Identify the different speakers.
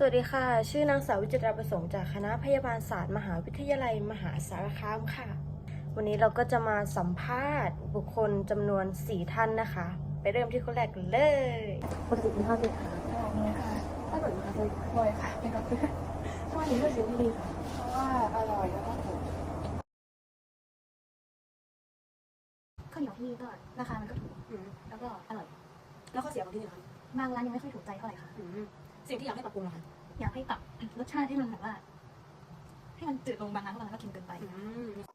Speaker 1: วัสดีค่ะชื่อนางสาววิจิตราประสงค์จากคณะพยาบาลศาสตร์มหาวิทยาลัยมหาสารคามค่ะวันนี้เราก็จะมาสัมภาษณ์บุคคลจำนวน4ท่านนะคะไปเริ่มที่คนแรกกันเลยปกติกินข้าวเสร็จค่ะ
Speaker 2: เลยค่ะ
Speaker 1: ถ้าเกิดมาเคย
Speaker 2: บ่อยค่ะเป็นกับเพื่อน
Speaker 1: ทำไมถึงเลือกซื้อที่ดีค่ะ
Speaker 2: เพราะว่าอร่อยแล้วก็ถูก
Speaker 3: ข้าวเหนียวที่นี่ก็ราคามันก็ถูกแล้วก็อร่อย
Speaker 1: แล้วข้อเสียของที่นี่คะ
Speaker 3: บางร้านยังไม่ค่อยถูกใจเท่าไหร่ค่ะ
Speaker 1: สิ่งที่อยากให้ปรับปรุงนะคะ
Speaker 3: อยากให้ปรับรสชาติให้มันแบบว่า ให้มันจืดลงบางร้านเพราะบางร้านก็เค็มเกินไป